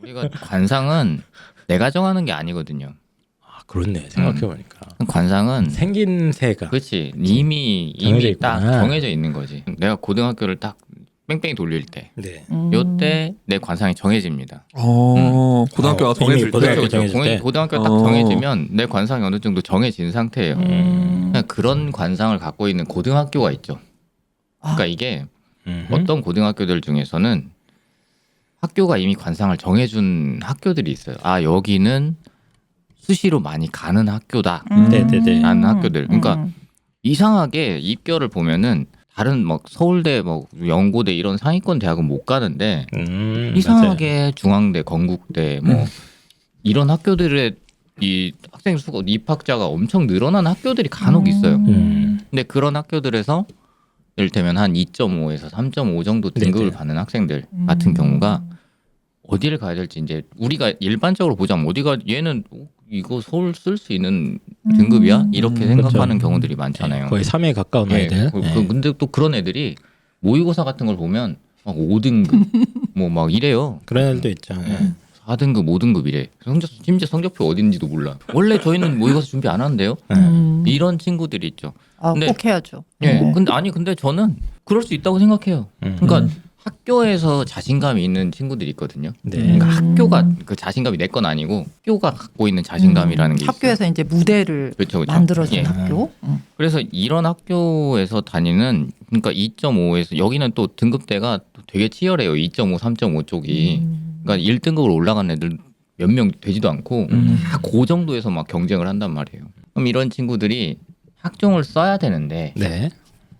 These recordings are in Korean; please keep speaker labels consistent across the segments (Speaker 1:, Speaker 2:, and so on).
Speaker 1: 우리가 관상은 내가 정하는 게 아니거든요.
Speaker 2: 아, 그렇네. 생각해보니까.
Speaker 1: 관상은
Speaker 2: 생긴 새가.
Speaker 1: 그렇지 이미
Speaker 2: 정해져
Speaker 1: 딱
Speaker 2: 있구나.
Speaker 1: 정해져 있는 거지. 내가 고등학교를 딱 뺑뺑이 돌릴 때
Speaker 2: 네.
Speaker 1: 요때 내 관상이 정해집니다.
Speaker 3: 고등학교가
Speaker 2: 이미
Speaker 3: 정해질 때.
Speaker 2: 고등학교 정해질 때?
Speaker 1: 고등학교 딱 정해지면 내 관상이 어느 정도 정해진 상태예요. 그냥 그런 관상을 갖고 있는 고등학교가 있죠. 그러니까 이게 어떤 고등학교들 중에서는 학교가 이미 관상을 정해준 학교들이 있어요. 아 여기는 수시로 많이 가는 학교다.
Speaker 2: 네네네.
Speaker 1: 라는 학교들. 그러니까 이상하게 입결을 보면은 다른 막 서울대, 뭐 연고대 이런 상위권 대학은 못 가는데 이상하게 중앙대, 건국대 뭐 이런 학교들의 이 학생 수가 입학자가 엄청 늘어난 학교들이 간혹 있어요. 근데 그런 학교들에서 이를테면 한 2.5에서 3.5 정도 등급을
Speaker 2: 네네.
Speaker 1: 받는 학생들 같은 경우가 어디를 가야 될지 이제 우리가 일반적으로 보자면 어디가 얘는 이거 서울 쓸 수 있는 등급이야? 이렇게 생각하는 경우들이 많잖아요.
Speaker 2: 거의 3에 가까운 아이들.
Speaker 1: 근데 또 그런 애들이 모의고사 같은 걸 보면 막 5등급 뭐 막 이래요.
Speaker 2: 그런 애들도 있죠.
Speaker 1: 4등급, 5등급 이래. 심지어 성적표 어딘지도 몰라. 원래 저희는 모의고사 준비 안 하는데요. 이런 친구들이 있죠.
Speaker 4: 아,
Speaker 1: 근데-
Speaker 4: 꼭 해야죠.
Speaker 1: 예. 근데 저는 그럴 수 있다고 생각해요. 그러니까 학교에서 자신감이 있는 친구들이 있거든요.
Speaker 2: 네.
Speaker 1: 그러니까 학교가 그 자신감이 내 건 아니고 학교가 갖고 있는 자신감이라는 게 있어요.
Speaker 4: 학교에서 이제 무대를
Speaker 1: 그렇죠.
Speaker 4: 만들어준
Speaker 1: 예.
Speaker 4: 학교.
Speaker 1: 그래서 이런 학교에서 다니는 그러니까 2.5에서 여기는 또 등급대가 또 되게 치열해요. 2.5, 3.5 쪽이. 그러니까 1등급으로 올라간 애들 몇 명 되지도 않고 다 그 정도에서 막 경쟁을 한단 말이에요. 그럼 이런 친구들이 학종을 써야 되는데
Speaker 2: 네.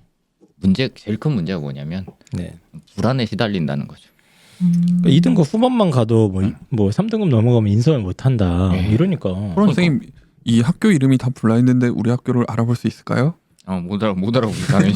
Speaker 1: 제일 큰 문제가 뭐냐면
Speaker 2: 네.
Speaker 1: 불안에 시달린다는 거죠.
Speaker 2: 2등급 후반만 가도 뭐 3등급 넘어가면 인서울 못 한다. 이러니까.
Speaker 3: 선생님 이 학교 이름이 다 블라인드인데 우리 학교를 알아볼 수 있을까요?
Speaker 1: 못 알아보지 당연히.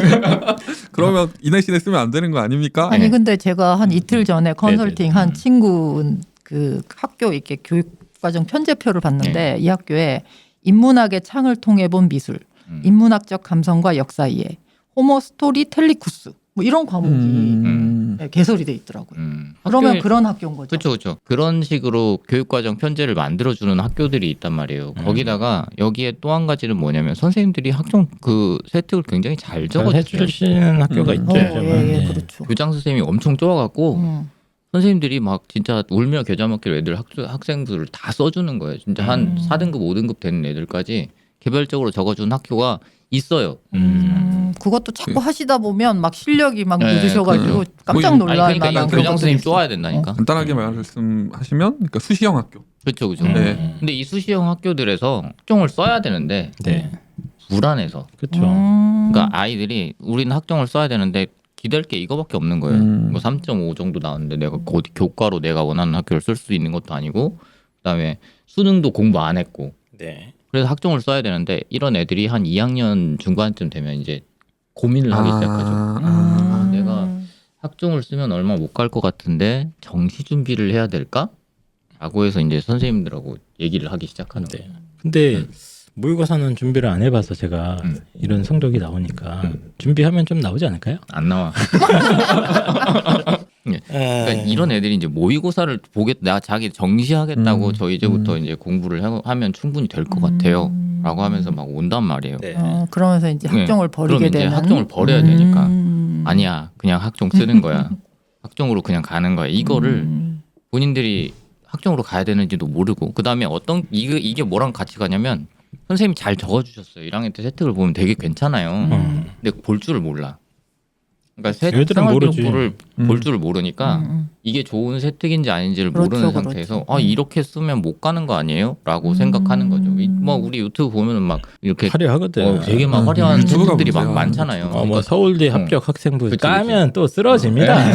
Speaker 3: 그러면 이 내신에 쓰면 안 되는 거 아닙니까?
Speaker 4: 아니 근데 제가 한 이틀 전에 컨설팅 한 친구 그 학교 이렇게 교육과정 편제표를 봤는데 이 학교에 인문학의 창을 통해 본 미술, 인문학적 감성과 역사 이해, 호모 스토리 텔리쿠스 뭐 이런 과목이 네, 개설이 돼 있더라고요. 그러면 그런 학교인 거죠.
Speaker 1: 그렇죠. 그런 식으로 교육과정 편제를 만들어주는 학교들이 있단 말이에요. 거기다가 여기에 또 한 가지는 뭐냐면 선생님들이 학종 그 세특을 굉장히 잘 적어주세요.
Speaker 2: 해주시는 학교가 있죠.
Speaker 4: 예, 그렇죠.
Speaker 1: 교장 선생님이 엄청 좋아갖고 선생님들이 막 진짜 울며 겨자 먹기로 애들 학생들을 다 써주는 거예요. 진짜 한 4등급, 5등급 되는 애들까지 개별적으로 적어준 학교가 있어요.
Speaker 4: 그것도 자꾸 하시다 보면 막 실력이 막
Speaker 1: 네,
Speaker 4: 늦으셔가지고 깜짝 놀랄
Speaker 1: 그러니까
Speaker 4: 만한
Speaker 1: 교장 선생님 좋아야 된다니까.
Speaker 3: 간단하게 말씀하시면 그러니까 수시형 학교.
Speaker 1: 그렇죠.
Speaker 3: 네.
Speaker 1: 근데 이 수시형 학교들에서 학종을 써야 되는데
Speaker 2: 네.
Speaker 1: 불안해서.
Speaker 2: 그렇죠.
Speaker 1: 그러니까 아이들이 우리는 학종을 써야 되는데 기댈 게 이거밖에 없는 거예요. 뭐 3.5 정도 나왔는데 내가 어디 교과로 내가 원하는 학교를 쓸 수 있는 것도 아니고 그다음에 수능도 공부 안 했고.
Speaker 2: 네.
Speaker 1: 그래서 학종을 써야 되는데 이런 애들이 한 2학년 중반쯤 되면 이제 고민을 하기 시작하죠. 내가 학종을 쓰면 얼마 못 갈 것 같은데 정시 준비를 해야 될까? 라고 해서 이제 선생님들하고 얘기를 하기 시작하는 거예요.
Speaker 2: 근데 모의고사는 준비를 안 해봐서 제가 이런 성적이 나오니까 준비하면 좀 나오지 않을까요?
Speaker 1: 안 나와. 그러니까 이런 애들이 이제 모의고사를 내가 자기 정시하겠다고 저 이제부터 이제 공부를 하면 충분히 될 것 같아요.라고 하면서 막 온단 말이에요.
Speaker 2: 네.
Speaker 4: 그러면서 이제 학종을 버리게
Speaker 1: 그럼 이제
Speaker 4: 되는.
Speaker 1: 학종을 버려야 되니까 아니야 그냥 학종 쓰는 거야. 학종으로 그냥 가는 거야. 이거를 본인들이 학종으로 가야 되는지도 모르고 그 다음에 이게 뭐랑 같이 가냐면 선생님이 잘 적어주셨어요. 1학년 때 세특을 보면 되게 괜찮아요. 근데 볼 줄을 몰라. 그러니까
Speaker 2: 얘들은 모르지.
Speaker 1: 생활기록부를 볼 줄을 모르니까 이게 좋은 세특인지 아닌지를
Speaker 4: 그렇죠,
Speaker 1: 모르는
Speaker 4: 그렇죠.
Speaker 1: 상태에서 이렇게 쓰면 못 가는 거 아니에요? 라고 생각하는 거죠. 뭐 우리 유튜브 보면은 막 이렇게
Speaker 2: 화려하거든.
Speaker 1: 되게 막 화려한
Speaker 3: 유튜브가
Speaker 1: 세특들이 막
Speaker 3: 문제야.
Speaker 1: 많잖아요.
Speaker 2: 뭐
Speaker 1: 그러니까
Speaker 2: 서울대 합격 학생부
Speaker 1: 그치,
Speaker 2: 까면 또 쓰러집니다.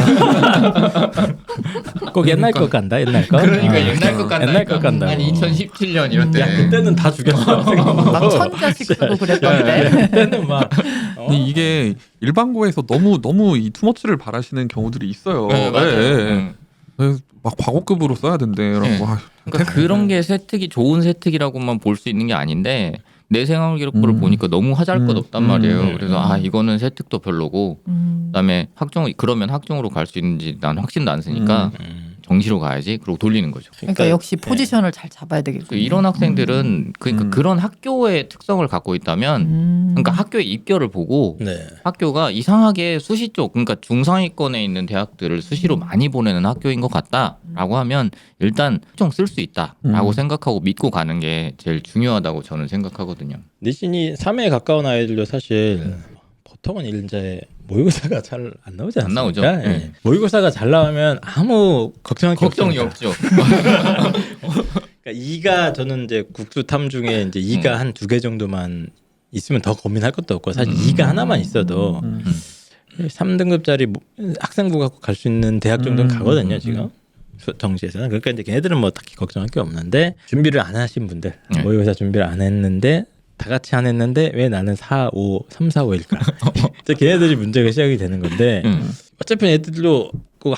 Speaker 2: 꼭 옛날 것 간다. 옛날 거.
Speaker 1: 그러니까 옛날 것 같다.
Speaker 2: 옛날 것 간다.
Speaker 1: 한 2017년 이럴 때.
Speaker 2: 야 그때는 다 죽였어.
Speaker 4: 막 천자씩 쓰고 그랬던데.
Speaker 2: 그때는 막
Speaker 3: 근데 이게 일반고에서 너무 이 투머치를 바라시는 경우들이 있어요.
Speaker 1: 네, 맞아요.
Speaker 3: 네. 그래서 막 과거급으로 써야 된대라고.
Speaker 1: 네. 그러니까 그런 게 세특이 좋은 세특이라고만 볼 수 있는 게 아닌데 내 생활기록부를 보니까 너무 하잘것없단 말이에요. 그래서 이거는 세특도 별로고 그다음에 그러면 학종으로 갈 수 있는지 난 확신도 안 쓰니까 정시로 가야지. 그러고 돌리는 거죠.
Speaker 4: 그러니까 역시 포지션을 잘 잡아야 되겠고.
Speaker 1: 또 이런 학생들은 그러니까 그런 학교의 특성을 갖고 있다면 그러니까 학교의 입결을 보고
Speaker 2: 네.
Speaker 1: 학교가 이상하게 수시 쪽 그러니까 중상위권에 있는 대학들을 수시로 많이 보내는 학교인 것 같다라고 하면 일단 학종 쓸 수 있다라고 생각하고 믿고 가는 게 제일 중요하다고 저는 생각하거든요.
Speaker 2: 내신이 3에 가까운 아이들도 사실 보통은 이제 모의고사가 잘 안 나오지 않습니까?
Speaker 1: 안 나오죠.
Speaker 2: 예.
Speaker 1: 네.
Speaker 2: 모의고사가 잘 나오면 아무 걱정할 게
Speaker 1: 걱정이
Speaker 2: 없습니다.
Speaker 1: 없죠.
Speaker 2: 그러니까 2가 저는 이제 국수 탐 중에 이제 2가 한 2개 정도만 있으면 더 고민할 것도 없고 사실 2가 하나만 있어도 3등급짜리 학생부 갖고 갈 수 있는 대학 정도는 가거든요 지금 정시에서는. 그러니까 이제 걔네들은 뭐 딱히 걱정할 게 없는데 준비를 안 하신 분들
Speaker 1: 네.
Speaker 2: 모의고사 준비를 안 했는데 다 같이 안 했는데 왜 나는 3, 4, 5일까? 걔네들이 문제가 시작이 되는 건데 어차피 애들도 그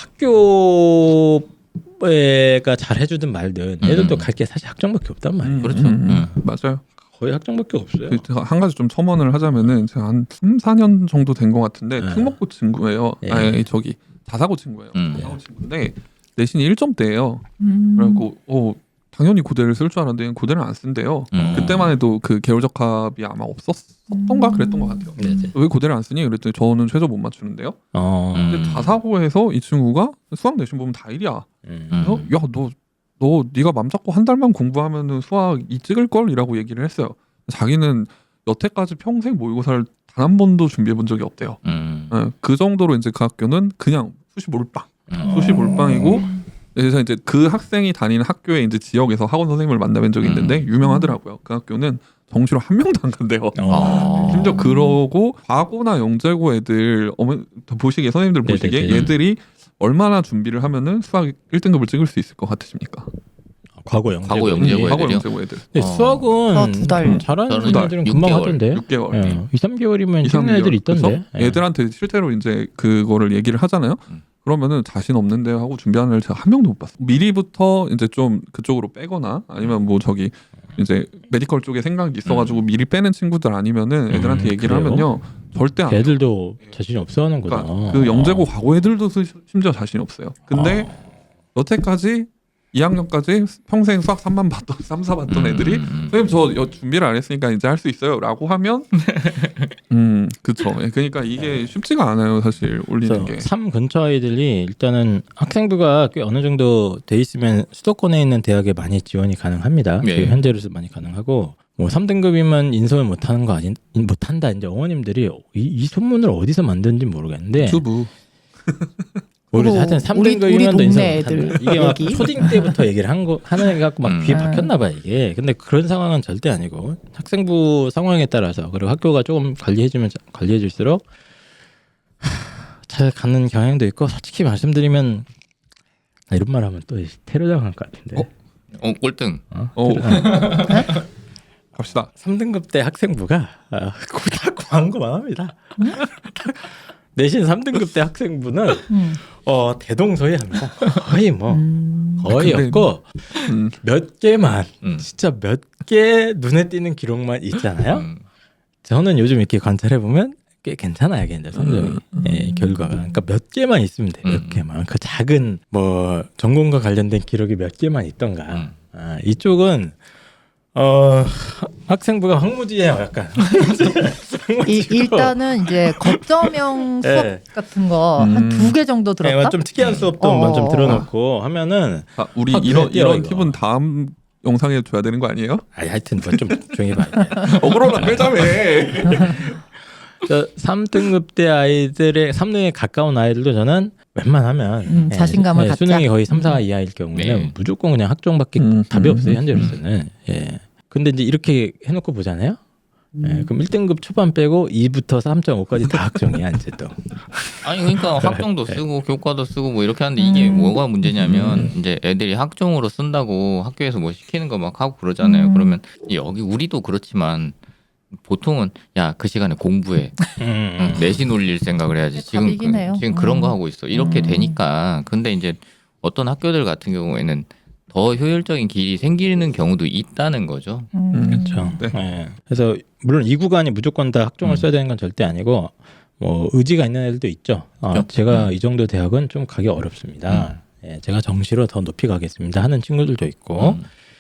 Speaker 2: 학교가 잘 해주든 말든 애들도 갈 게 사실 학종밖에 없단 말이에요.
Speaker 1: 그렇죠.
Speaker 3: 맞아요.
Speaker 2: 거의 학종밖에 없어요.
Speaker 3: 한 가지 좀 첨언을 하자면은 제가 한 3, 4년 정도 된 것 같은데 특목고 친구예요.
Speaker 2: 예.
Speaker 3: 아니 저기 자사고 친구예요. 자사고 친구인데 내신이 1점대예요. 그래갖고 당연히 고대를 쓸 줄 알았는데 고대를 안 쓴대요. 그때만 해도 그 계열적합이 아마 없었던가 그랬던 것 같아요. 왜 고대를 안 쓰니? 그랬더니 저는 최저 못 맞추는데요. 근데 자사고에서 이 친구가 수학 내신 보면 다 1이야. 그래서 너 네가 맘 잡고 한 달만 공부하면은 수학 2 찍을 걸이라고 얘기를 했어요. 자기는 여태까지 평생 모의고사를 단 한 번도 준비해 본 적이 없대요. 그 정도로 이제 그 학교는 그냥 수시 몰빵이고. 그래서 이제 그 학생이 다니는 학교에 이제 지역에서 학원 선생님을 만나뵌 적이 있는데 유명하더라고요. 그 학교는 정시로 한 명도 안 간대요. 심지어 그러고 과고나 영재고 애들 보시기에 선생님들 보시기에 얘들이 얼마나 준비를 하면은 수학 1등급을 찍을 수 있을 것 같으십니까?
Speaker 2: 과거 영재고
Speaker 3: 애들.
Speaker 2: 수학은
Speaker 4: 2달.
Speaker 2: 잘하는
Speaker 1: 2달.
Speaker 2: 애들은 금방
Speaker 1: 6개월.
Speaker 2: 하던데.
Speaker 3: 6개월.
Speaker 2: 2, 3개월이면 찍는 애들 있던데.
Speaker 3: 애들한테 실제로 이제 그거를 얘기를 하잖아요. 그러면은 자신 없는데 하고 준비하는 애를 제가 한 명도 못 봤어요. 미리부터 이제 좀 그쪽으로 빼거나 아니면 뭐 저기 이제 메디컬 쪽에 생각이 있어가지고 미리 빼는 친구들 아니면은 애들한테 얘기를
Speaker 2: 그래요?
Speaker 3: 하면요 절대 안.
Speaker 2: 애들도 자신이 없어하는구나.
Speaker 3: 그러니까 그 영재고 과고 애들도 심지어 자신이 없어요. 근데 여태까지 2학년까지 평생 수학 3만 봤던 3, 4 봤던 애들이 선생님 저 준비를 안 했으니까 이제 할 수 있어요 라고 하면 그쵸. 그러니까 이게 쉽지가 않아요 사실 올리는 게.
Speaker 2: 3 근처 아이들이 일단은 학생부가 꽤 어느 정도 돼 있으면 수도권에 있는 대학에 많이 지원이 가능합니다.
Speaker 1: 네.
Speaker 2: 현재로서 많이 가능하고 뭐 3등급이면 인서울 못하는 거 못한다. 이제 어머님들이 이 소문을 어디서 만든지 모르겠는데
Speaker 3: 유튜브.
Speaker 2: 우리 하여튼
Speaker 4: 우리
Speaker 2: 3등급이면
Speaker 4: 동네
Speaker 2: 인서울
Speaker 4: 애들
Speaker 2: 못한다. 이게 막
Speaker 4: 얘기?
Speaker 2: 초딩 때부터 얘기를 하는 애 갖고 막 귀에 박혔나 봐 이게. 근데 그런 상황은 절대 아니고 학생부 상황에 따라서 그리고 학교가 조금 관리해줄수록 잘 가는 경향도 있고 솔직히 말씀드리면 이런 말 하면 또 테러당할 것 같은데.
Speaker 1: 꼴등.
Speaker 3: 갑시다.
Speaker 2: 3등급 때 학생부가 다 광고만 합니다. 내신 3등급 때 학생부는 대동소이합니다. 거의 거의
Speaker 3: 근데,
Speaker 2: 없고 몇 개만 진짜 몇 개 눈에 띄는 기록만 있잖아요. 저는 요즘 이렇게 관찰해 보면 꽤 괜찮아요, 이제 성적이 결과가. 그러니까 몇 개만 있으면 돼, 몇 개만. 그 작은 뭐 전공과 관련된 기록이 몇 개만 있던가. 이쪽은 학생부가 황무지예요, 약간.
Speaker 4: 일단은 이제 거점형 수업 같은 거 한 2개 정도 들었다.
Speaker 2: 좀 특이한 수업도 좀 들어놓고 하면은
Speaker 3: 우리 이런 팁은 다음 영상에 줘야 되는 거 아니에요?
Speaker 2: 하여튼 뭐 좀 조용히 봐.
Speaker 3: 억울하다 빼자며.
Speaker 2: 3등급 때 아이들의 3등에 가까운 아이들도 저는 웬만하면
Speaker 4: 자신감을 갖자.
Speaker 2: 수능이 거의 3, 4 이하일 경우에는 무조건 그냥 학종밖에 답이 없어요, 현재로서는. 근데 이제 이렇게 해놓고 보잖아요. 그럼 1등급 초반 빼고 2부터 3.5까지 다 학종이야 이제 또.
Speaker 1: 아니 그러니까 학종도 쓰고 교과도 쓰고 뭐 이렇게 하는데 이게 뭐가 문제냐면 이제 애들이 학종으로 쓴다고 학교에서 뭐 시키는 거 막 하고 그러잖아요. 그러면 여기 우리도 그렇지만 보통은 야 그 시간에 공부해. 내신 올릴 생각을 해야지. 지금 그런 거 하고 있어. 이렇게 되니까. 근데 이제 어떤 학교들 같은 경우에는 더 효율적인 길이 생기는 경우도 있다는 거죠.
Speaker 2: 그렇죠. 네. 그래서 물론 이 구간이 무조건 다 학종을 써야 되는 건 절대 아니고 뭐 의지가 있는 애들도 있죠. 제가 이 정도 대학은 좀 가기 어렵습니다. 예, 제가 정시로 더 높이 가겠습니다 하는 친구들도 있고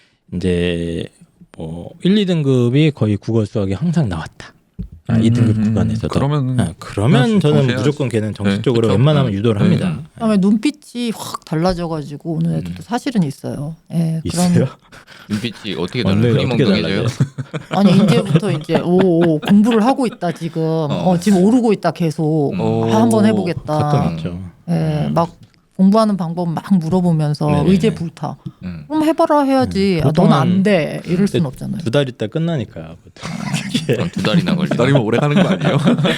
Speaker 2: 이제 뭐 1, 2등급이 거의 국어 수학이 항상 나왔다. 2등급 구간에서도. 그러면 저는
Speaker 3: 정시해야지.
Speaker 2: 무조건 걔는 정시 쪽으로
Speaker 3: 그쵸.
Speaker 2: 웬만하면 유도를 합니다.
Speaker 4: 그다음에 눈빛이 확 달라져가지고 오는 애들도 사실은 있어요. 예,
Speaker 2: 있어요?
Speaker 1: 눈빛이 어떻게
Speaker 2: 원래
Speaker 1: 달라요?
Speaker 2: 어떻게
Speaker 1: 흐리멍텅해져요?
Speaker 4: 아니 이제부터 이제 오 공부를 하고 있다 지금. 지금 오르고 있다 계속. 한번 해보겠다.
Speaker 2: 가끔 있죠.
Speaker 4: 예, 막 공부하는 방법 막 물어보면서
Speaker 2: 네네.
Speaker 4: 의제 불타. 그럼 해봐라 해야지. 넌
Speaker 2: 보통은
Speaker 4: 안 돼. 이럴 순 없잖아요.
Speaker 2: 2달 있다 끝나니까 보통.
Speaker 1: 그럼 2달이나 걸려.
Speaker 3: 기다리면 오래 가는 거 아니에요?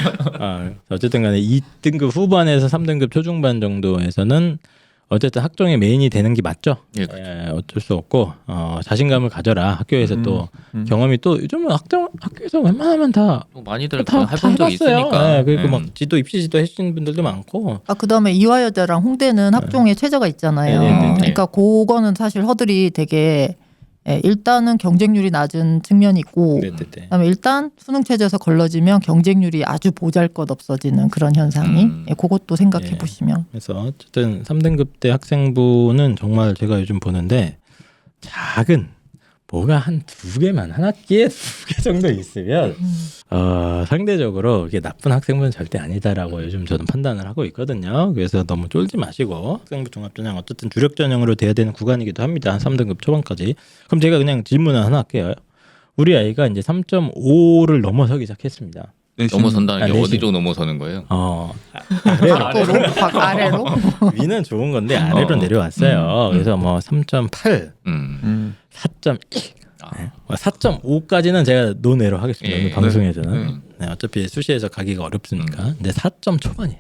Speaker 2: 어쨌든 간에 2등급 후반에서 3등급 초중반 정도에서는 어쨌든 학종의 메인이 되는 게 맞죠.
Speaker 1: 예,
Speaker 2: 어쩔 수 없고 자신감을 가져라. 학교에서 또 경험이 또 요즘은 학교에서 웬만하면 다
Speaker 1: 뭐 많이들
Speaker 2: 다
Speaker 1: 해본 적
Speaker 2: 해봤어요.
Speaker 1: 있으니까.
Speaker 2: 네, 그리고 막 지도 입시 지도 해주신 분들도 많고.
Speaker 4: 그다음에 이화여자랑 홍대는 학종의 최저가 있잖아요.
Speaker 2: 네네네.
Speaker 4: 그러니까 그거는 사실 허들이 되게 일단은 경쟁률이 낮은 측면이 있고
Speaker 2: 네네네.
Speaker 4: 그다음에 일단 수능 체제에서 걸러지면 경쟁률이 아주 보잘것없어지는 그런 현상이 그것도 생각해
Speaker 2: 예.
Speaker 4: 보시면
Speaker 2: 그래서 어쨌든 3등급 때 학생부는 정말 제가 요즘 보는데 작은 뭐가 한 2개만 한 학기에 2개 정도 있으면 상대적으로 이게 나쁜 학생부는 절대 아니다라고 요즘 저는 판단을 하고 있거든요. 그래서 너무 쫄지 마시고 학생부 종합전형 어쨌든 주력 전형으로 돼야 되는 구간이기도 합니다. 한 3등급 초반까지. 그럼 제가 그냥 질문을 하나 할게요. 우리 아이가 이제 3.5를 넘어서기 시작했습니다.
Speaker 1: 넘어선다는 게
Speaker 2: 내신.
Speaker 1: 어디로 넘어서는 거예요?
Speaker 4: 밖으로 확 아래로
Speaker 2: 위는 좋은 건데 아래로 내려왔어요. 그래서 뭐 3.8,
Speaker 1: 음.
Speaker 2: 4.1, 4.5까지는 제가 노내로 하겠습니다.
Speaker 1: 예.
Speaker 2: 오늘 방송에서는. 네, 어차피 수시에서 가기가 어렵으니까. 근데 4점 초반이에요.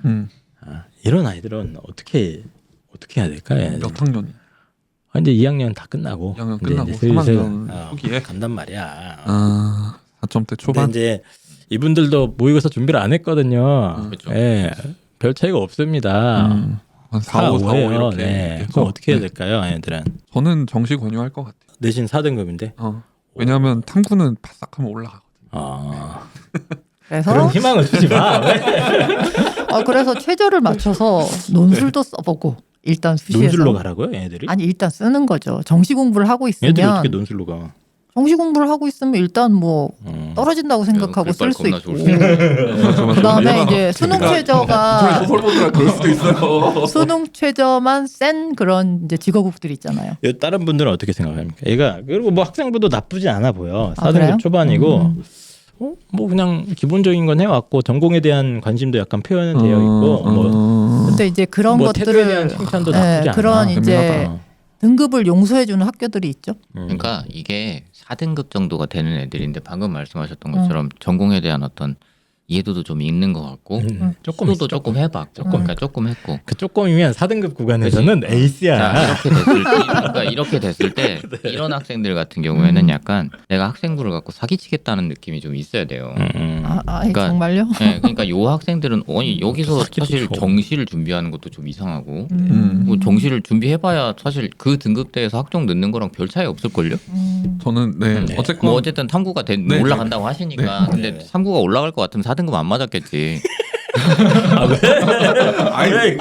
Speaker 2: 이런 아이들은 어떻게 해야 될까요?
Speaker 3: 몇 학년이?
Speaker 2: 이제 2학년 다 끝나고
Speaker 3: 2학년
Speaker 2: 이제
Speaker 3: 끝나고
Speaker 2: 슬슬
Speaker 3: 3학년 초기에?
Speaker 2: 간단 말이야.
Speaker 3: 4점대
Speaker 2: 근데
Speaker 3: 초반.
Speaker 2: 이제 이분들도 모의고사 준비를 안 했거든요.
Speaker 1: 그렇죠.
Speaker 2: 예, 별 차이가 없습니다.
Speaker 3: 한 4, 5, 4, 5
Speaker 2: 5예요.
Speaker 3: 이렇게.
Speaker 2: 네.
Speaker 3: 해서.
Speaker 2: 그럼 어떻게 해야
Speaker 3: 네.
Speaker 2: 될까요, 애들은?
Speaker 3: 저는 정시 권유할 것 같아요.
Speaker 2: 내신 4등급인데.
Speaker 3: 왜냐하면 탐구는 바싹하면 올라가거든요.
Speaker 4: 그래서
Speaker 2: 그런 희망을 주지 마. 왜?
Speaker 4: 그래서 최저를 맞춰서 논술도 써보고 일단 수시에서
Speaker 2: 논술로 가라고요, 애들이?
Speaker 4: 아니 일단 쓰는 거죠. 정시 공부를 하고
Speaker 2: 애들이 어떻게
Speaker 4: 있으면
Speaker 2: 논술로 가?
Speaker 4: 정시 공부를 하고 있으면 일단 뭐 떨어진다고 생각하고 쓸 수
Speaker 1: 글빨
Speaker 4: 있고
Speaker 1: 겁나 좋을
Speaker 4: 그다음에 이제 수능 최저가
Speaker 3: 소설 보느라 그럴 수도 있어요.
Speaker 4: 수능 최저만 센 그런 이제 직업국들이 있잖아요.
Speaker 2: 다른 분들은 어떻게 생각합니까? 얘가 그리고 뭐 학생부도 나쁘지 않아 보여. 4등급
Speaker 4: 그래요?
Speaker 2: 초반이고 뭐 그냥 기본적인 건 해왔고 전공에 대한 관심도 약간 표현은 되어 있고 뭐
Speaker 4: 근데 이제 그런
Speaker 2: 태도에 대한
Speaker 4: 것들을
Speaker 2: 칭찬도 나쁘지 않아.
Speaker 4: 그런 이제
Speaker 2: 재미나다.
Speaker 4: 등급을 용서해주는 학교들이 있죠.
Speaker 1: 그러니까 이게 4등급 정도가 되는 애들인데 방금 말씀하셨던 것처럼 전공에 대한 어떤 이해도도 좀 있는 것 같고
Speaker 2: 조금
Speaker 1: 시도도
Speaker 2: 있어,
Speaker 1: 조금 해봤고 그러니까 조금 했고
Speaker 2: 그 조금이면 4등급 구간에서는 에이스야.
Speaker 1: 자, 이렇게 됐을 때 이런 학생들 같은 경우에는 약간 내가 학생부를 갖고 사기치겠다는 느낌이 좀 있어야 돼요. 그러니까,
Speaker 4: 정말요?
Speaker 1: 네, 그러니까 요 학생들은 여기서
Speaker 2: 사기도
Speaker 1: 사실
Speaker 2: 쳐.
Speaker 1: 정시를 준비하는 것도 좀 이상하고 뭐 정시를 준비해봐야 사실 그 등급대에서 학종 넣는 거랑 별 차이 없을걸요?
Speaker 3: 저는 어쨌건
Speaker 1: 뭐 어쨌든 탐구가
Speaker 3: 네.
Speaker 1: 올라간다고 하시니까 근데 탐구가 올라갈 것 같으면 4등급 안 맞았겠지.
Speaker 3: 아이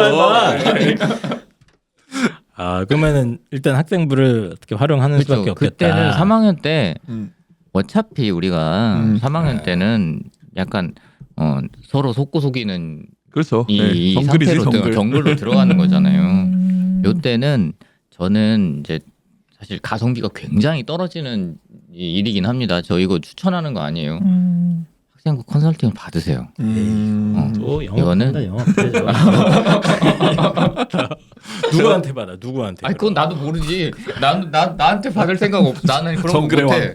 Speaker 2: 그러면은 일단 학생부를 어떻게 활용하는 수밖에
Speaker 1: 그렇죠.
Speaker 2: 없겠다.
Speaker 1: 그때는 3학년 때
Speaker 3: 음.
Speaker 1: 어차피 우리가 3학년 때는 약간 서로 속고 속이는
Speaker 3: 그렇죠.
Speaker 1: 이
Speaker 3: 정글이지
Speaker 1: 상태로 정글로 들어가는 거잖아요. 요때는 저는 이제 사실 가성비가 굉장히 떨어지는 일이긴 합니다. 저 이거 추천하는 거 아니에요. 학생부 컨설팅을 받으세요.
Speaker 2: 또
Speaker 1: 이거는-
Speaker 2: 영업한다. 누구한테 받아? 누구한테?
Speaker 1: 아니 그건 나도 모르지. 나한테 받을 생각 없어. 나는 그런 거
Speaker 3: 정글의
Speaker 1: 못해.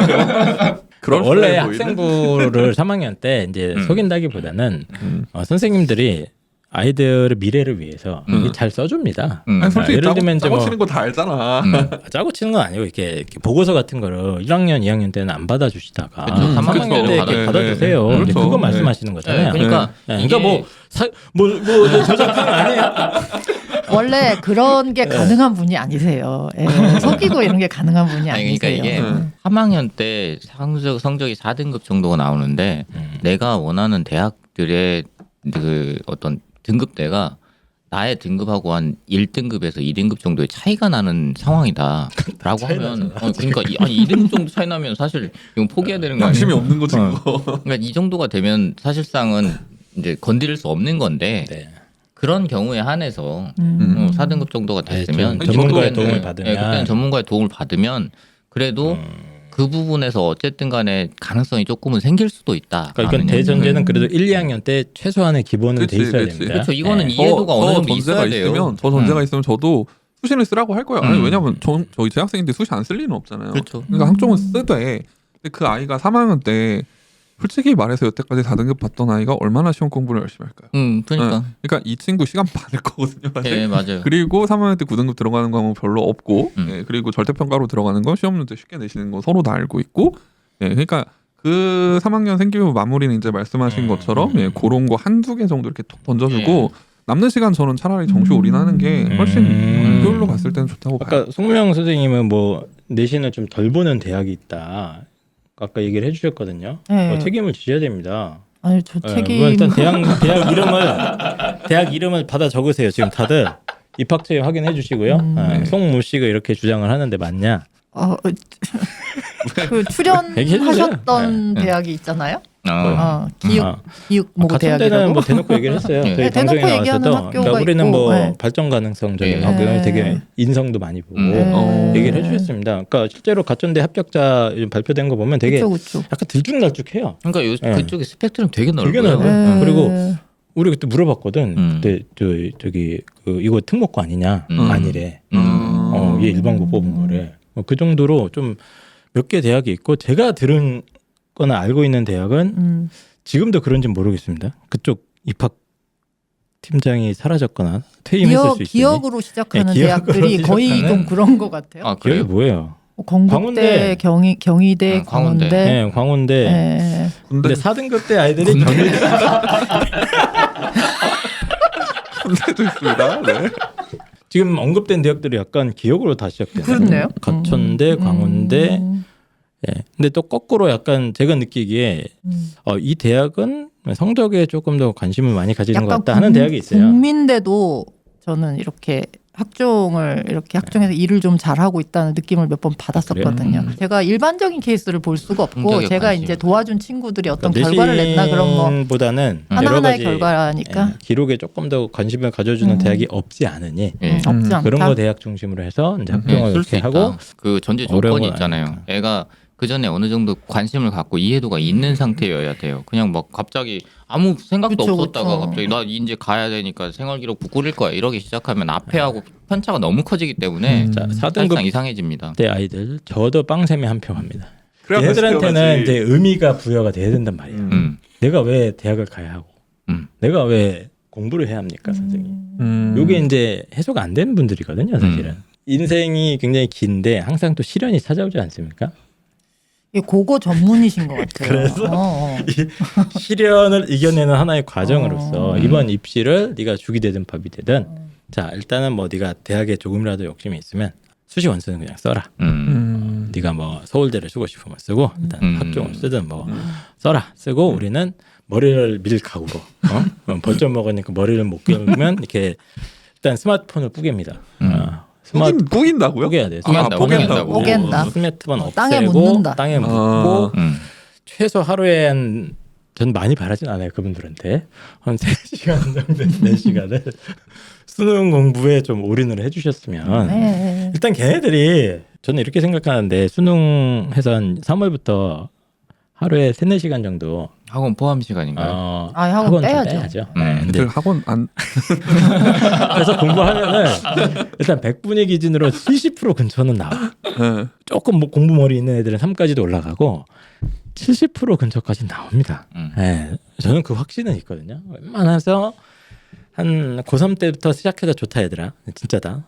Speaker 2: 원래 학생부를 3학년 때 이제 속인다기보다는 선생님들이 아이들의 미래를 위해서 잘 써줍니다.
Speaker 3: 아니 솔직히
Speaker 2: 예를 들면 이제
Speaker 3: 짜고
Speaker 2: 뭐
Speaker 3: 치는 거 다 알잖아.
Speaker 2: 짜고 치는 건 아니고 이렇게 보고서 같은 거를 1학년, 2학년 때는 안 받아주시다가
Speaker 1: 그렇죠.
Speaker 2: 3학년 때 이렇게
Speaker 3: 네,
Speaker 2: 받아주세요.
Speaker 3: 네.
Speaker 2: 이제
Speaker 3: 그렇죠.
Speaker 2: 그거 말씀하시는 거잖아요.
Speaker 1: 그러니까
Speaker 2: 그러니까 뭐 저작권 아니에요?
Speaker 4: 원래 그런 게 가능한 분이 아니세요. 속이고 이런 게 가능한 분이
Speaker 1: 아니,
Speaker 4: 아니세요.
Speaker 1: 그러니까 이게 3학년 때 성적이 4등급 정도가 나오는데 내가 원하는 대학들의 그 어떤 등급대가 나의 등급하고 한 1등급에서 2등급 정도의 차이가 나는 상황이다라고 하면 그러니까 아니 2등급 정도 차이 나면 사실 이건 포기해야 되는 거 아니에요?
Speaker 3: 양심이 없는 거지. 그거.
Speaker 1: 그러니까 이 정도가 되면 사실상은 이제 건드릴 수 없는 건데
Speaker 2: 네.
Speaker 1: 그런 경우에 한해서 4등급 정도가 됐으면
Speaker 2: 전문가의
Speaker 1: 그때는-
Speaker 2: 도움을 받으면.
Speaker 1: 네, 그때는 전문가의 도움을 받으면 그래도 그 부분에서 어쨌든 간에 가능성이 조금은 생길 수도 있다.
Speaker 2: 그러니까 이건 대전제는 그래도 1, 2학년 때 최소한의 기본은 돼
Speaker 3: 그치,
Speaker 2: 있어야
Speaker 3: 그치.
Speaker 2: 됩니다.
Speaker 1: 그렇죠. 이거는
Speaker 2: 네.
Speaker 1: 이해도가 어느 정도
Speaker 3: 전제가
Speaker 1: 있어야 돼요.
Speaker 3: 있으면 저 전제가 있으면 저도 수신을 쓰라고 할 거예요. 아니 왜냐면 저희 재학생인데 수시 안 쓸 리는 없잖아요.
Speaker 1: 그렇죠.
Speaker 3: 그러니까 학종은 쓰되 근데 그 아이가 3학년 때 솔직히 말해서 여태까지 4등급 받던 아이가 얼마나 시험 공부를 열심히 할까요?
Speaker 1: 그러니까.
Speaker 3: 그러니까 이 친구 시간 많을 거거든요. 사실.
Speaker 1: 네, 맞아요.
Speaker 3: 그리고 3학년 때 9등급 들어가는 과목 별로 없고
Speaker 1: 음.
Speaker 3: 그리고 절대평가로 들어가는 건 시험 문제 쉽게 내시는 거 서로 다 알고 있고 그러니까 그 3학년 생기부 마무리는 이제 말씀하신 것처럼 그런 거 한두 개 정도 이렇게 톡 던져주고 남는 시간 저는 차라리 정시 올인하는 게 훨씬 효율로 봤을 때는 좋다고 봐요.
Speaker 2: 아까 송명 선생님은 뭐 내신을 좀 덜 보는 대학이 있다. 아까 얘기를 해주셨거든요.
Speaker 4: 네.
Speaker 2: 책임을 지셔야 됩니다.
Speaker 4: 아니 저
Speaker 2: 네,
Speaker 4: 책임
Speaker 2: 물론 일단 대학 이름을 받아 적으세요. 지금 다들 입학처에 확인해 주시고요. 송모 씨가 이렇게 주장을 하는데 맞냐?
Speaker 4: 그 출연하셨던 대학이 있잖아요. 기육
Speaker 2: 같은
Speaker 4: 대학이라고.
Speaker 2: 데는 뭐 대놓고 얘기를 했어요.
Speaker 1: 네.
Speaker 2: 저희
Speaker 4: 네, 대놓고
Speaker 2: 방송에
Speaker 4: 얘기하는
Speaker 2: 나왔어도
Speaker 4: 학교가
Speaker 2: 그러니까 우리는
Speaker 4: 있고,
Speaker 2: 뭐
Speaker 4: 네.
Speaker 2: 발전 가능성적인
Speaker 1: 네.
Speaker 2: 학교는 되게 인성도 많이 보고 얘기를 해주셨습니다. 그러니까 실제로 가천대 합격자 요즘 발표된 거 보면 되게
Speaker 4: 그쵸.
Speaker 2: 약간 들쭉날쭉해요.
Speaker 1: 그러니까
Speaker 2: 네.
Speaker 1: 그쪽에 스펙트럼 되게 넓어요.
Speaker 2: 되게 넓어요.
Speaker 4: 네.
Speaker 2: 그리고 우리 그때 물어봤거든.
Speaker 1: 음.
Speaker 2: 그때 저기 이거 특목고 아니냐? 아니래. 얘 일반고 뽑은 거래. 그 정도로 좀 몇 개 대학이 있고 제가 들은 거나 알고 있는 대학은 지금도 그런지 모르겠습니다. 그쪽 입학 팀장이 사라졌거나 퇴임했을 수 있으니.
Speaker 4: 기억으로 시작하는
Speaker 2: 네, 기억으로
Speaker 4: 대학들이 거의
Speaker 2: 시작하는-
Speaker 4: 좀 그런 것 같아요.
Speaker 1: 아,
Speaker 2: 기억이
Speaker 1: 그래요?
Speaker 2: 뭐예요?
Speaker 4: 건국대,
Speaker 2: 광운대.
Speaker 4: 경희대,
Speaker 1: 광운대.
Speaker 4: 광운대.
Speaker 2: 네, 광운대.
Speaker 4: 네.
Speaker 2: 근데 4등급 대 아이들이 경희대
Speaker 3: 군대도 있습니다. 네.
Speaker 2: 지금 언급된 대학들이 약간 기억으로 다 시작돼요.
Speaker 4: 그렇네요.
Speaker 2: 가천대, 광운대. 예. 근데 또 거꾸로 약간 제가 느끼기에 이 대학은 성적에 조금 더 관심을 많이 가지는 것 같다 하는 대학이 있어요.
Speaker 4: 국민대도 저는 이렇게 학종에서 일을 좀 잘하고 있다는 느낌을 몇 번 받았었거든요. 제가 일반적인 케이스를 볼 수가 없고
Speaker 1: 성적에
Speaker 4: 제가
Speaker 1: 관심.
Speaker 4: 이제 도와준 친구들이 어떤
Speaker 2: 그러니까
Speaker 4: 결과를 냈나 그런 거
Speaker 2: 보다는
Speaker 4: 하나하나의 결과니까
Speaker 2: 기록에 조금 더 관심을 가져주는 대학이 없지 않으니
Speaker 1: 예.
Speaker 4: 없지 않다.
Speaker 2: 그런 거 대학 중심으로 해서 이제 학종을
Speaker 1: 쓸 수
Speaker 2: 이렇게
Speaker 1: 있다.
Speaker 2: 하고
Speaker 1: 그 전제
Speaker 2: 어려운
Speaker 1: 조건이
Speaker 2: 건
Speaker 1: 있잖아요.
Speaker 2: 아니니까.
Speaker 1: 애가 그 전에 어느 정도 관심을 갖고 이해도가 있는 상태여야 돼요. 그냥 막 갑자기 아무 생각도
Speaker 4: 그쵸,
Speaker 1: 없었다가
Speaker 4: 그쵸.
Speaker 1: 갑자기 나 이제 가야 되니까 생활기록부 꾸릴 거야 이러기 시작하면 앞에하고 편차가 너무 커지기 때문에
Speaker 2: 자, 4등급
Speaker 1: 사실상 이상해집니다.
Speaker 2: 때 아이들 저도 빵샘에 한 표 합니다.
Speaker 3: 그래야
Speaker 2: 얘들한테는
Speaker 3: 시켜야지.
Speaker 2: 이제 의미가 부여가 돼야 된단 말이에요. 내가 왜 대학을 가야 하고 내가 왜 공부를 해야 합니까, 선생님? 요게 이제 해소가 안 되는 분들이거든요, 사실은. 인생이 굉장히 긴데 항상 또 시련이 찾아오지 않습니까?
Speaker 4: 이게 고거 전문이신 것 같아요.
Speaker 2: 그래서 이 시련을 이겨내는 하나의 과정으로서 이번 입시를 네가 죽이 되든 밥이 되든 자 일단은 뭐 네가 대학에 조금이라도 욕심이 있으면 수시 원서는 그냥 써라. 네가 뭐 서울대를 쓰고 싶으면 쓰고 일단 학종을 쓰든 뭐 써라. 쓰고 우리는 머리를 밀 각오로 벌점 먹으니까 머리를 못 감으면 이렇게 일단 스마트폰을 뿌갭니다.
Speaker 3: 뿌긴다고요?
Speaker 2: 뿌개야 돼.
Speaker 1: 뿌갠다고.
Speaker 4: 뿌갠다.
Speaker 2: 스마트폰 없애고
Speaker 4: 땅에 묻는다.
Speaker 2: 땅에 묻고
Speaker 1: 음.
Speaker 2: 최소 하루에 전 많이 바라진 않아요 그분들한테 한 3시간 정도 4시간을 수능 공부에 좀 올인을 해주셨으면
Speaker 4: 네.
Speaker 2: 일단 걔네들이 저는 이렇게 생각하는데 수능해서 한 3월부터 하루에 3-4시간 정도
Speaker 1: 학원 포함 시간인가요?
Speaker 4: 학원
Speaker 2: 좀
Speaker 4: 빼야죠.
Speaker 2: 네, 근데
Speaker 3: 그 학원 안
Speaker 2: 그래서 공부하면은 일단 100분위 기준으로 70% 근처는 나와.
Speaker 3: 네.
Speaker 2: 조금 뭐 공부 머리 있는 애들은 3까지도 올라가고 70% 근처까지 나옵니다. 네, 저는 그 확신은 있거든요. 웬만해서 한 고3 때부터 시작해서 좋다 얘들아. 진짜다.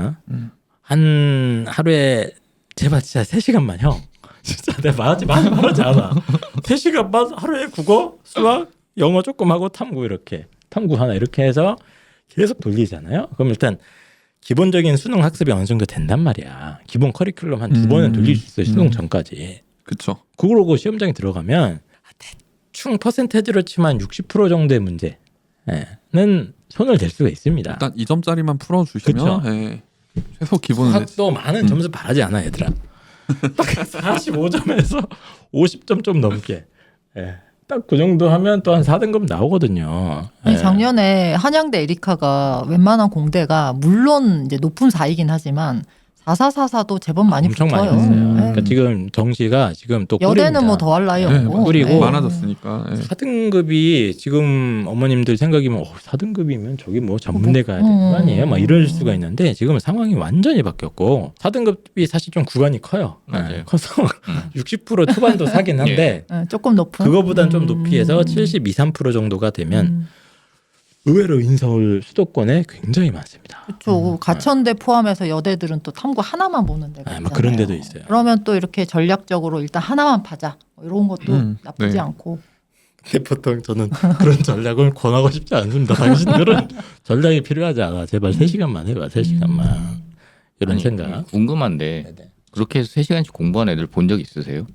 Speaker 2: 한 하루에 제발 진짜 3시간만 형. 진짜 내가 말하지 않아. 3시간만 하루에 국어, 수학, 영어 조금 하고 탐구 이렇게. 탐구 하나 이렇게 해서 계속 돌리잖아요. 그럼 일단 기본적인 수능 학습이 어느 정도 된단 말이야. 기본 커리큘럼 한 2번은 돌릴 수 있어요. 수능 전까지.
Speaker 3: 그쵸.
Speaker 2: 그러고 시험장에 들어가면 대충 퍼센테이지로 치면 60% 정도의 문제는 손을 댈 수가 있습니다.
Speaker 3: 일단 2점짜리만 풀어주시면 예, 최소 기본은
Speaker 2: 또 많은 점수 바라지 않아 얘들아. 딱 45점에서 50점 좀 넘게. 예. 딱 그 정도 하면 또 한 4등급 나오거든요.
Speaker 4: 아니,
Speaker 2: 예.
Speaker 4: 작년에 한양대 에리카가 웬만한 공대가 물론 이제 높은 4이긴 하지만 4444도 제법 많이
Speaker 2: 엄청
Speaker 4: 붙어요.
Speaker 2: 많이 있어요.
Speaker 4: 네.
Speaker 2: 그러니까 지금 정시가 지금 또
Speaker 4: 여대는 뭐 더할 나위
Speaker 3: 예,
Speaker 4: 없고.
Speaker 2: 꿀이고
Speaker 4: 네.
Speaker 3: 많아졌으니까. 예.
Speaker 2: 4등급이 지금 어머님들 생각이면 4등급이면 저기 뭐 전문대 가야 되는 거 아니에요? 막 이럴 수가 있는데 지금 상황이 완전히 바뀌었고 4등급이 사실 좀 구간이 커요.
Speaker 1: 맞아요.
Speaker 2: 커서 60% 초반도 사긴 한데
Speaker 4: 네, 조금 높은.
Speaker 2: 그거보단 좀 높이 해서 72, 3% 정도가 되면 의외로 인서울 수도권에 굉장히 많습니다.
Speaker 4: 그렇죠. 가천대 포함해서 여대들은 또 탐구 하나만 보는 데가 있잖아요.
Speaker 2: 막 그런 데도 있어요.
Speaker 4: 그러면 또 이렇게 전략적으로 일단 하나만 파자. 뭐 이런 것도 나쁘지
Speaker 3: 네.
Speaker 4: 않고.
Speaker 2: 근데 보통 저는 그런 전략을 권하고 싶지 않습니다. 당신들은 전략이 필요하지 않아. 제발 3시간만 해봐. 3시간만. 이런
Speaker 1: 아니,
Speaker 2: 생각.
Speaker 1: 궁금한데
Speaker 2: 네네.
Speaker 1: 그렇게 해서 3시간씩 공부한 애들 본 적 있으세요?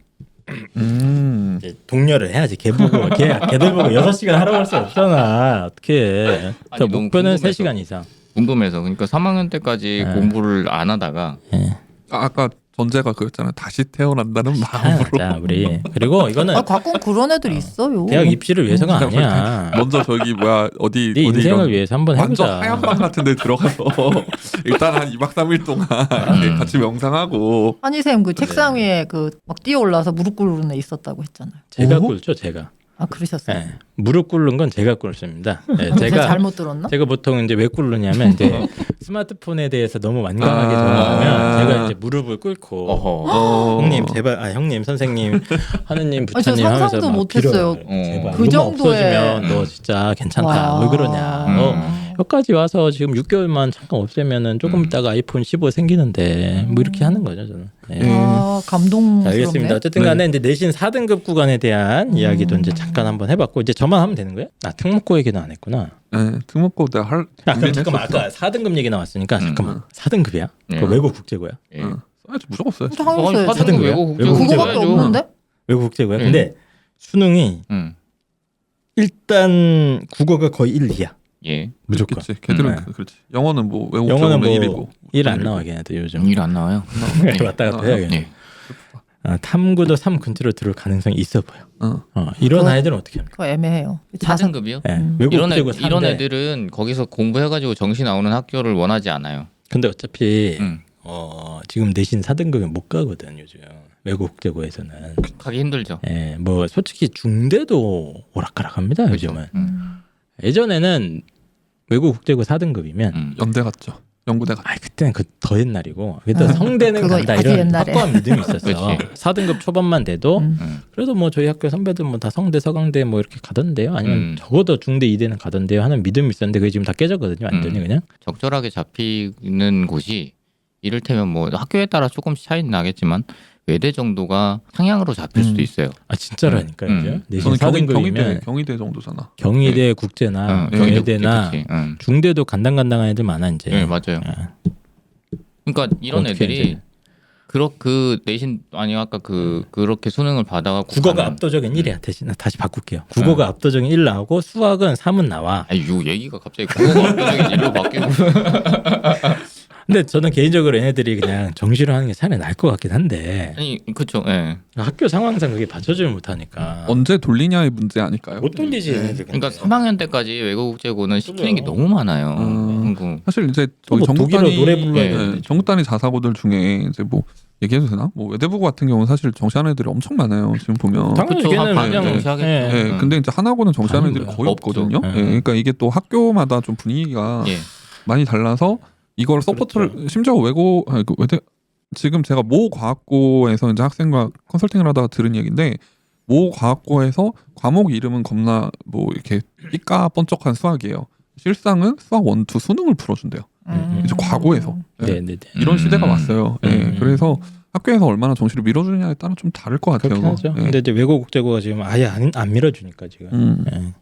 Speaker 2: 이제 동료를 해야지. 걔들 보고 6시간 하라고 할 수 없잖아. 어떻게?
Speaker 1: 아니, 너무
Speaker 2: 목표는
Speaker 1: 궁금해서.
Speaker 2: 3시간 이상.
Speaker 1: 궁금해서. 그러니까 3학년 때까지
Speaker 2: 네.
Speaker 1: 공부를 안 하다가
Speaker 2: 예.
Speaker 3: 아까 전제가 그였잖아요. 다시 태어난다는 마음으로.
Speaker 2: 자, 우리 그리고 이거는
Speaker 4: 아, 가끔 그런 애들 있어요.
Speaker 2: 대학 입시를 위해서가 아니야.
Speaker 3: 먼저 저기 뭐야 어디
Speaker 2: 네
Speaker 3: 어디
Speaker 2: 인생을
Speaker 3: 이런
Speaker 2: 위해서 한번
Speaker 3: 완전
Speaker 2: 해보자.
Speaker 3: 하얀 방 같은 데 들어가서 일단 한 2박 3일 동안 이렇게 같이 명상하고
Speaker 4: 한이쌤 그 책상 위에 그 막 뛰어 올라서 무릎 꿇는 애 있었다고 했잖아요.
Speaker 2: 제가
Speaker 3: 오?
Speaker 2: 꿇죠, 제가.
Speaker 4: 아 그러셨어요?
Speaker 2: 예. 무릎 꿇는 건 제가 꿇습니다. 예,
Speaker 4: 제가 잘못 들었나?
Speaker 2: 제가 보통 이제 왜 꿇느냐면 이제 스마트폰에 대해서 너무 완강하게 전화하면 제가 이제 무릎을 꿇고
Speaker 1: 어허.
Speaker 2: 형님 제발 형님 선생님 하느님
Speaker 4: 아니, 저
Speaker 2: 부처님 하면서
Speaker 4: 상상도
Speaker 2: 막
Speaker 4: 못했어요.
Speaker 2: 빌어요. 제발
Speaker 4: 그
Speaker 2: 이거만
Speaker 4: 정도의-
Speaker 2: 없어지면 너 진짜 괜찮다.
Speaker 4: 와.
Speaker 2: 왜 그러냐. 여기까지 와서 지금 6개월만 잠깐 없애면은 조금 있다가 아이폰 15 생기는데 뭐 이렇게 하는 거죠 저는. 예.
Speaker 4: 아 감동스럽네.
Speaker 2: 자, 알겠습니다. 어쨌든 간에 이제 내신 4등급 구간에 대한 이야기도 이제 잠깐 한번 해봤고 이제 저만 하면 되는 거예요? 아 특목고 얘기는 안 했구나.
Speaker 3: 예, 특목고 내가 할
Speaker 2: 아, 그럼 잠깐만
Speaker 3: 준비했었어.
Speaker 2: 아까 4등급 얘기 나왔으니까 잠깐만 4등급이야?
Speaker 1: 네.
Speaker 2: 그 외국 국제고야?
Speaker 1: 예.
Speaker 3: 써야지 무조건 써야지.
Speaker 4: 당연히 써야죠.
Speaker 2: 사등급이야?
Speaker 1: 외국 국제
Speaker 2: 외국
Speaker 4: 그거밖에
Speaker 2: 국제고야?
Speaker 4: 없는데?
Speaker 2: 외국 국제고야?
Speaker 1: 네.
Speaker 2: 근데 수능이 일단 국어가 거의 1, 2야.
Speaker 1: 예.
Speaker 2: 무조건.
Speaker 3: 그렇지. 걔들은
Speaker 2: 네.
Speaker 3: 그렇지. 영어는 뭐 외국
Speaker 2: 영어는
Speaker 3: 적으면
Speaker 2: 뭐
Speaker 3: 1이고.
Speaker 2: 1 안 나와 걔네들 요즘.
Speaker 1: 일 안 나와요.
Speaker 2: 왔다 갔다 해야겠네.
Speaker 1: 예.
Speaker 2: 탐구도 3 근처로 들어올 가능성이 있어 보여.
Speaker 3: 어.
Speaker 2: 이런
Speaker 4: 그거-
Speaker 2: 아이들은 어떻게 합니까?
Speaker 4: 그거 애매해요. 자산
Speaker 1: 4등급이요?
Speaker 2: 네. 외국
Speaker 1: 이런,
Speaker 2: 국제고
Speaker 1: 이런
Speaker 2: 3대.
Speaker 1: 애들은 거기서 공부해가지고 정시 나오는 학교를 원하지 않아요.
Speaker 2: 근데 어차피
Speaker 1: 음.
Speaker 2: 지금 내신 4등급에 못 가거든 요즘 외국 국제고에서는.
Speaker 1: 가기 힘들죠.
Speaker 2: 예, 뭐 솔직히 중대도 오락가락합니다 요즘은. 예전에는 외국 국제고 4등급이면
Speaker 3: 연대 갔죠. 연구대 갔죠.
Speaker 2: 그때는 그 더 옛날이고 그때 성대는
Speaker 4: 그거
Speaker 2: 간다
Speaker 4: 아주
Speaker 2: 이런
Speaker 4: 옛날에.
Speaker 2: 확고한 믿음이 있었어.
Speaker 1: 그치.
Speaker 2: 4등급 초반만 돼도 그래도 뭐 저희 학교 선배들 뭐 다 성대 서강대 뭐 이렇게 가던데요. 아니면 적어도 중대 2대는 가던데요 하는 믿음이 있었는데 그게 지금 다 깨졌거든요. 완전히 그냥.
Speaker 1: 적절하게 잡히는 곳이 이를테면 뭐 학교에 따라 조금씩 차이는 나겠지만 외대 정도가 상향으로 잡힐 수도 있어요.
Speaker 2: 아 진짜라니까요.
Speaker 1: 음.
Speaker 2: 내신
Speaker 3: 저는
Speaker 2: 4등급이면
Speaker 3: 경희대 정도잖아.
Speaker 2: 경희대 국제나 경희대나
Speaker 1: 그치.
Speaker 2: 중대도 간당간당한 애들 많아 이제.
Speaker 1: 네, 맞아요. 그러니까 이런
Speaker 2: 어떻게
Speaker 1: 애들이
Speaker 2: 이제.
Speaker 1: 그 내신 아니 아까 그렇게 수능을 받아가
Speaker 2: 국어가 압도적인 1이야. 대신 다시 바꿀게요. 국어가 압도적인 1 나오고 수학은 3은 나와.
Speaker 1: 아니 요 얘기가 갑자기 국어가 압도적인 일로 바뀌고
Speaker 2: 근데 저는 개인적으로 얘네들이 그냥 정시로 하는 게 차라리 나을 것 같긴 한데
Speaker 1: 아니 그쵸. 예.
Speaker 2: 학교 상황상 그게 받쳐주지 못하니까
Speaker 3: 언제 돌리냐의 문제 아닐까요?
Speaker 2: 못 돌리지 얘네들.
Speaker 1: 그러니까 3학년 때까지 외국 국제고는 시키는 게 너무 많아요. 그리고
Speaker 3: 사실 이제
Speaker 2: 또
Speaker 3: 저희
Speaker 2: 뭐 독일어
Speaker 3: 전국단위
Speaker 2: 노래 불러야
Speaker 1: 예,
Speaker 2: 되는데
Speaker 3: 전국단위 자사고들 중에 이제 뭐 얘기해도 되나? 뭐 외대부고 같은 경우는 사실 정시하는 애들이 엄청 많아요. 지금 보면.
Speaker 2: 당연히
Speaker 1: 그쵸,
Speaker 2: 걔는
Speaker 1: 한
Speaker 2: 그냥
Speaker 1: 정시하겠죠.
Speaker 3: 예, 근데 이제 하나고는 정시하는
Speaker 2: 아닌
Speaker 3: 애들이
Speaker 2: 거야.
Speaker 3: 거의
Speaker 1: 없죠.
Speaker 3: 없거든요.
Speaker 2: 예.
Speaker 3: 예, 그러니까 이게 또 학교마다 좀 분위기가
Speaker 1: 예.
Speaker 3: 많이 달라서 이걸 서포트를 심지어 그 외대 지금 제가 모 과학고에서 이제 학생과 컨설팅을 하다가 들은 얘기인데 모 과학고에서 과목 이름은 겁나 뭐 이렇게 삐까 번쩍한 수학이에요. 실상은 수학 1, 2 수능을 풀어준대요. 이제 과거에서 예.
Speaker 2: 네네네.
Speaker 3: 이런 시대가 왔어요. 예,
Speaker 2: 음.
Speaker 3: 그래서 학교에서 얼마나 정시를 밀어주느냐에 따라 좀 다를 것 같아요.
Speaker 2: 그렇긴 하죠.
Speaker 3: 예.
Speaker 2: 근데 이제 외국 국제고가 지금 아예 안 밀어주니까 지금.
Speaker 3: 음.
Speaker 2: 예.